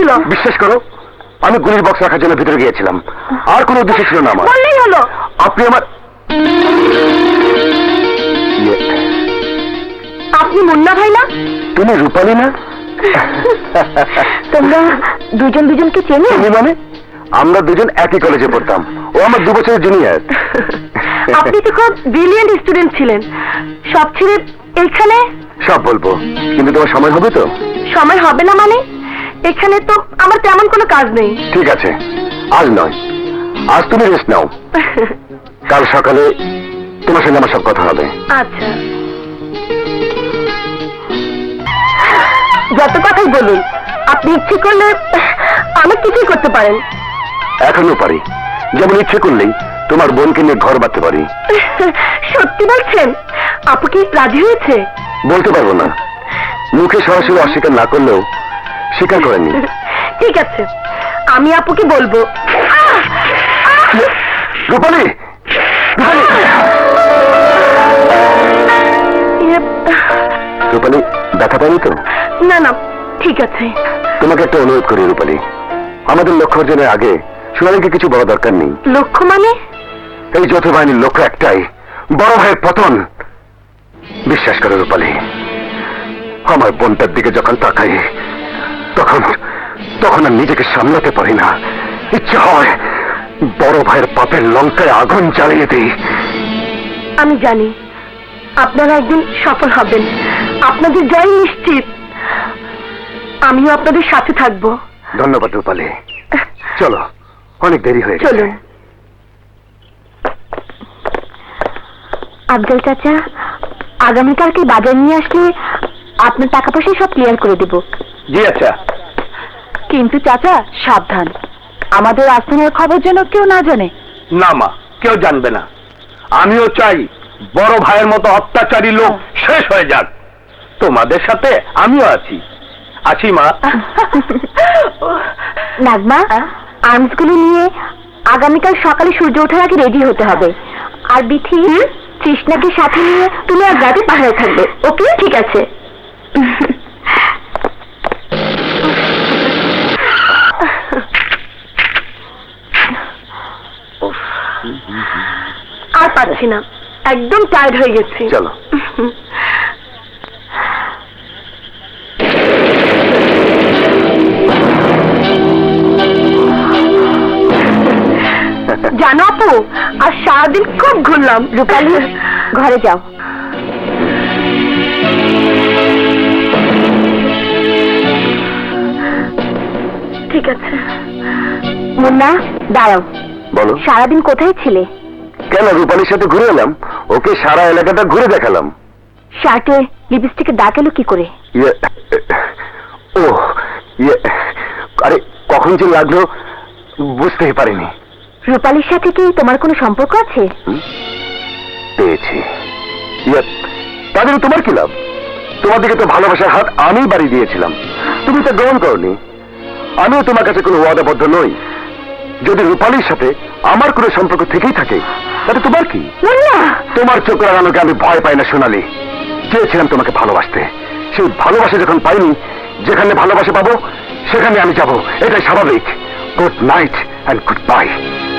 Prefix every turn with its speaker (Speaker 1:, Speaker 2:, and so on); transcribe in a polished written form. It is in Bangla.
Speaker 1: ছিল?
Speaker 2: বিশ্বাস করো, আমি গুলির বক্স রাখার জন্য ভিতরে গিয়েছিলাম, আর কোনো উদ্দেশ্য ছিল না আমার।
Speaker 1: বললেই হলো।
Speaker 2: আপনি আমার
Speaker 1: আপনি মুন্না ভাই না?
Speaker 2: তুমি রূপালী না?
Speaker 1: তোমরা দুজন দুজনকে চেনো?
Speaker 2: তুমি মানে? আমরা দুজন একই কলেজে পড়তাম, ও আমার 2 বছরের জুনিয়র।
Speaker 1: আপনি তো খুব ব্রিলিয়েন্ট স্টুডেন্ট ছিলেন, সব ছেড়ে এখানে?
Speaker 2: সব বলবো, কিন্তু তোমার সময় হবে তো?
Speaker 1: সময় হবে না মানে? এখানে তো আমার তেমন কোনো কাজ নেই।
Speaker 2: ঠিক আছে, আজ নয়, আজ তুমি রেস্ট নাও, কাল সকালে তোমার সঙ্গে আমার সব কথা হবে।
Speaker 1: আচ্ছা, যত কথাই বলুন, আপনি ইচ্ছে করলে অনেক কিছুই করতে পারেন।
Speaker 2: এখনো পারি, যেমন ইচ্ছে করলেই তোমার বোনকে নিয়ে ঘর বাঁধতে পারি।
Speaker 1: সত্যি বলছেন? আপু কি রাজি হয়েছে?
Speaker 2: বলতে পারবো না, মুখে সরাসরি অস্বীকার না করলেও স্বীকার করেনি।
Speaker 1: ঠিক আছে, আমি আপুকে বলবো।
Speaker 2: রূপালী, রূপালী, ব্যথা পাইনি তো?
Speaker 1: না না, ঠিক আছে।
Speaker 2: তোমাকে একটা অনুরোধ করি রূপালী, আমাদের লক্ষ্য অর্জনের আগে সোনালীকে কিছু বলা দরকার নেই।
Speaker 1: লক্ষ্য মানে?
Speaker 2: এই যৌথ বাহিনীর লক্ষ্য একটাই, বড় ভাইয়ের পতন। বিশ্বাস করো রূপালী, আমার বোনটার দিকে যখন তাকাই তখন তখন আর নিজেকে সামলাতে পারি না। ইচ্ছে হয় বড় ভাইয়ের পাপের লঙ্কায় আগুন জ্বালিয়ে দিই।
Speaker 1: আমি জানি আপনারা একদিন সফল হবেন, আপনাদের জয় নিশ্চিত। আমিও আপনাদের সাথে থাকবো।
Speaker 2: ধন্যবাদ রূপালী, চলো, অনেক দেরি হয়ে গেছে।
Speaker 1: চলুন। আফজাল চাচা, আগামীকালকে বাজার নিয়ে আসলে আপনার টাকা পয়সা সব ক্লিয়ার করে দেব।
Speaker 2: জি আচ্ছা।
Speaker 1: কিন্তু চাচা সাবধান, আমাদের আস্তানার খবর যেন কেউ না জানে।
Speaker 2: না মা, কেউ জানবে না। আমিও চাই বড় ভাইয়ের মতো অত্যাচারী লোক শেষ হয়ে যাক। তোমাদের সাথে আমিও আছি, আছি মা।
Speaker 1: নাগমা, আর্মস গুলো নিয়ে আগামীকাল সকালে সূর্য ওঠার আগে রেডি হতে হবে। আর বিথি, তৃষ্ণাকে সাথে নিয়ে তুমি আজ রাতে পাহাড়ে থাকবে। ওকে? ঠিক আছে। আর পারছি না, একদম টায়ার্ড হয়ে গেছি।
Speaker 2: চলো।
Speaker 1: জানো আপু, আর সারাদিন খুব ঘুরলাম। রূপালী, ঘরে যাও। ঠিক আছে। মুন্না, দাঁড়াও।
Speaker 2: বলো।
Speaker 1: সারাদিন কোথায় ছিলে?
Speaker 2: কেন, রূপালীর সাথে ঘুরে এলাম, ওকে সারা এলাকাটা ঘুরে দেখালাম।
Speaker 1: শার্টে লিপস্টিকের দাগ এলো কি করে?
Speaker 2: ও আরে, কখন যে লাগলো বুঝতেই পারিনি।
Speaker 1: রূপালীর সাথে কি তোমার কোনো সম্পর্ক আছে?
Speaker 2: পেয়েছি। তাদের তোমার কি লাভ? তোমার দিকে তো ভালোবাসার হাত আমি বাড়ি দিয়েছিলাম, তুমি তা গ্রহণ করনি। আমিও তোমার কাছে কোনো ওয়াদাবদ্ধ নই। যদি রূপালীর সাথে আমার কোনো সম্পর্ক থেকেই থাকে তাতে তোমার কি? তোমার চোখ রাগানোকে আমি ভয় পাই না সোনালী। চেয়েছিলাম তোমাকে ভালোবাসতে, সেই ভালোবাসা যখন পাইনি, যেখানে ভালোবাসা পাবো সেখানে আমি যাব, এটাই স্বাভাবিক। Good night and good bye.